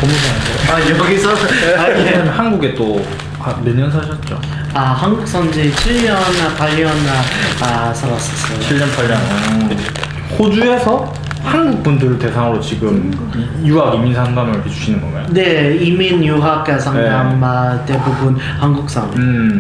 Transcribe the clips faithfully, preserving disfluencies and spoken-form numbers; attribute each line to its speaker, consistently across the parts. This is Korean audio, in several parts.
Speaker 1: 법무사인데.
Speaker 2: 아 여기서 아, 예.
Speaker 1: 한국에 또 몇 년 사셨죠?
Speaker 2: 아 한국 산지 칠 년, 팔 년 아, 살았었어요.
Speaker 1: 칠 년, 팔 년. 음. 호주에서 한국 분들 대상으로 지금 이- 유학 이민 상담을 해주시는 건가요?
Speaker 2: 네, 이민 유학 상담
Speaker 1: 네.
Speaker 2: 아, 대부분 한국 사람.
Speaker 1: 음.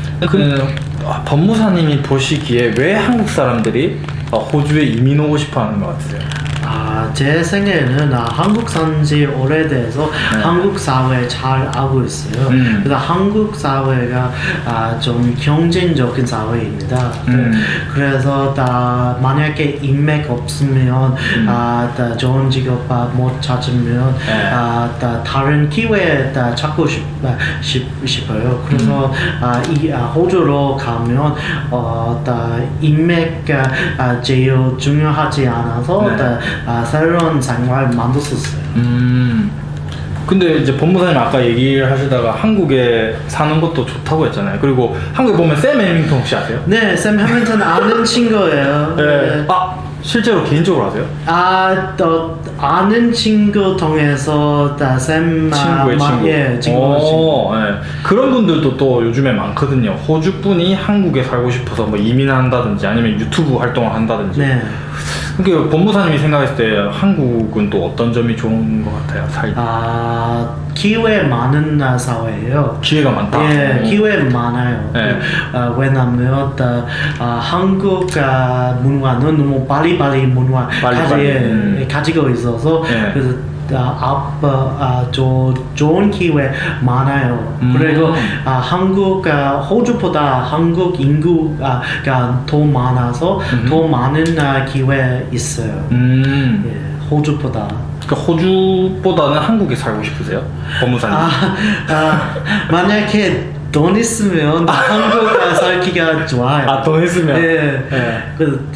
Speaker 1: 그 아, 법무사님이 보시기에 왜 한국 사람들이 어, 호주에 이민 오고 싶어 하는 것 같으세요?
Speaker 2: 아, 제 생각에는 아, 한국 산지 오래돼서
Speaker 1: 네.
Speaker 2: 한국 사회 잘 알고 있어요.
Speaker 1: 음.
Speaker 2: 그래서 한국 사회가 아, 좀 경쟁적인 사회입니다.
Speaker 1: 음.
Speaker 2: 그래서 다 만약에 인맥 없으면
Speaker 1: 음.
Speaker 2: 아, 다 좋은 직업 아, 못 찾으면
Speaker 1: 네.
Speaker 2: 아, 다 다른 기회 다 찾고 싶, 아, 싶, 싶어요. 그래서
Speaker 1: 음.
Speaker 2: 아, 이 아, 호주로 가면 어, 다 인맥 아, 제일 중요하지 않아서
Speaker 1: 네.
Speaker 2: 다, 아, 새로운 생활 만들었어요.
Speaker 1: 음. 근데 이제 법무사님 아까 얘기를 하시다가 한국에 사는 것도 좋다고 했잖아요. 그리고 한국에 보면 샘 해밍턴 혹시 아세요?
Speaker 2: 네, 샘 해밍턴 아는 친구예요.
Speaker 1: 네. 아, 실제로 개인적으로 아세요?
Speaker 2: 아, 또 아는 친구 통해서 다 샘
Speaker 1: 친구의
Speaker 2: 아,
Speaker 1: 친구.
Speaker 2: 예, 친구의 친구.
Speaker 1: 오, 네. 그런 분들도 또 요즘에 많거든요. 호주 분이 한국에 살고 싶어서 뭐 이민한다든지 아니면 유튜브 활동을 한다든지.
Speaker 2: 네.
Speaker 1: 그러니까 법무사님이 생각했을 때 한국은 또 어떤 점이 좋은 것 같아요? 살
Speaker 2: 아, 기회 많은 아, 사회예요.
Speaker 1: 기회가 많다.
Speaker 2: 예,
Speaker 1: 오.
Speaker 2: 기회 많아요.
Speaker 1: 네.
Speaker 2: 아, 왜냐면 아, 아, 한국 아, 문화는 너무 빨리빨리 문화
Speaker 1: 빨리빨리,
Speaker 2: 가지,
Speaker 1: 음.
Speaker 2: 가지고 있어서
Speaker 1: 네.
Speaker 2: 그래서 아, 앞, 아, 조, 좋은 기회 많아요.
Speaker 1: 음.
Speaker 2: 그리고 아, 한국, 아, 호주보다 한국 인구가 더 많아서
Speaker 1: 음.
Speaker 2: 더 많은 아, 기회 있어요.
Speaker 1: 음.
Speaker 2: 예, 호주보다.
Speaker 1: 그러니까 호주보다는 한국에 살고 싶으세요? 법무사님.
Speaker 2: 아, 아, 만약에 돈 있으면 한국 살기가 좋아요.
Speaker 1: 아, 돈 있으면?
Speaker 2: 네.
Speaker 1: 네.
Speaker 2: 그,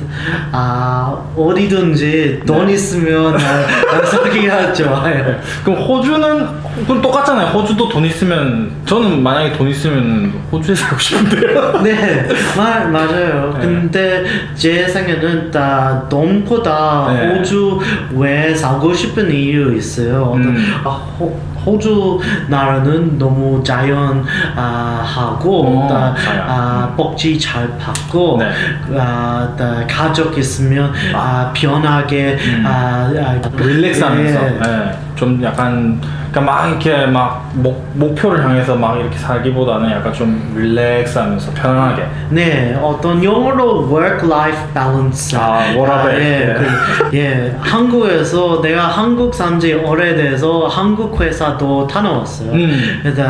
Speaker 2: 아, 어디든지 돈
Speaker 1: 네.
Speaker 2: 있으면 아, 살기가 좋아요.
Speaker 1: 그럼 호주는 그럼 똑같잖아요. 호주도 돈 있으면 저는 만약에 돈 있으면 호주에 살고 싶은데요.
Speaker 2: 네, 마, 맞아요.
Speaker 1: 네.
Speaker 2: 근데 제 생각에는 다 돈보다
Speaker 1: 네.
Speaker 2: 호주 왜 살고 싶은 이유 있어요. 어떤,
Speaker 1: 음.
Speaker 2: 아, 호, 호주 나라는 너무 자연 아, 하고
Speaker 1: 어,
Speaker 2: 다,
Speaker 1: 자연.
Speaker 2: 아, 복지 잘 받고
Speaker 1: 네.
Speaker 2: 아, 다 가족 있으면
Speaker 1: 아.
Speaker 2: 아, 편하게
Speaker 1: 음.
Speaker 2: 아, 아,
Speaker 1: 릴렉스하면서
Speaker 2: 예.
Speaker 1: 예, 좀 약간 그러니까 막 이렇게 막 목, 목표를 향해서 막 이렇게 살기보다는 약간 좀 릴렉스하면서 편안하게.
Speaker 2: 네, 어떤 영어로 work-life balance.
Speaker 1: 아, 워라밸.
Speaker 2: 예,
Speaker 1: 예.
Speaker 2: 그, 예, 한국에서 내가 한국 산지 오래돼서 한국 회사도 다녀왔어요.
Speaker 1: 음.
Speaker 2: 그래서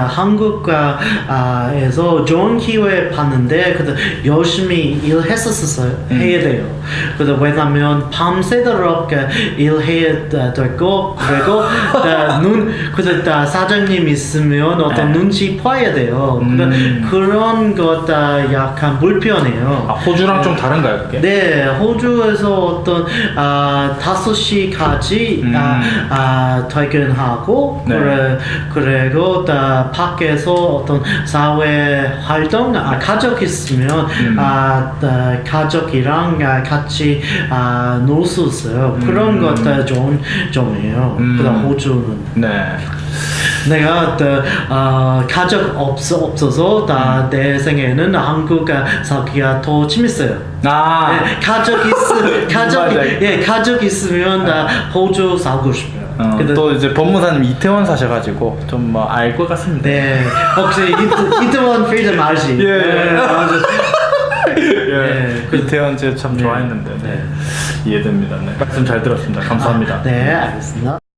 Speaker 2: 한국에서 좋은 기회 봤는데 그래서 열심히 일했었어요.
Speaker 1: 음.
Speaker 2: 해야 돼요. 그래서 왜냐면 밤새도록 일해야 되고 그리고 눈 그래서 다 사장님 있으면 어떤
Speaker 1: 네.
Speaker 2: 눈치 봐야 돼요.
Speaker 1: 음.
Speaker 2: 그러니까 그런 것 다 약간 불편해요.
Speaker 1: 아, 호주랑 좀 다른가요, 그게?
Speaker 2: 네, 호주에서 어떤 아 다섯 시까지
Speaker 1: 음.
Speaker 2: 아, 아 퇴근하고
Speaker 1: 네.
Speaker 2: 그래 그리고 다 밖에서 어떤 사회 활동 아 가족 있으면
Speaker 1: 음.
Speaker 2: 아 다 가족이랑 아, 같이 아 놀 수 있어요. 그런
Speaker 1: 음.
Speaker 2: 것도 좋은 점이에요.
Speaker 1: 음.
Speaker 2: 그다음 호주는.
Speaker 1: 네.
Speaker 2: 내가 또, 어, 가족 없어, 없어서 다 내 생에는 한국 살기가 더 재밌어요.
Speaker 1: 아.
Speaker 2: 예, 가족 있으 가족
Speaker 1: 맞아요.
Speaker 2: 예 가족 있으면 다 호주 살고 싶어요.
Speaker 1: 어,
Speaker 2: 근데-
Speaker 1: 또 이제 법무사님 이태원 사셔가지고 좀 뭐 알 것 같습니다.
Speaker 2: 네 혹시 이트, 이트원 프리덤 알지?
Speaker 1: 예.
Speaker 2: 네, 맞아.
Speaker 1: 예.
Speaker 2: 그-
Speaker 1: 이태원 제가 참
Speaker 2: 네.
Speaker 1: 좋아했는데 네.
Speaker 2: 네.
Speaker 1: 이해됩니다. 네. 말씀 잘 들었습니다. 감사합니다.
Speaker 2: 네 알겠습니다.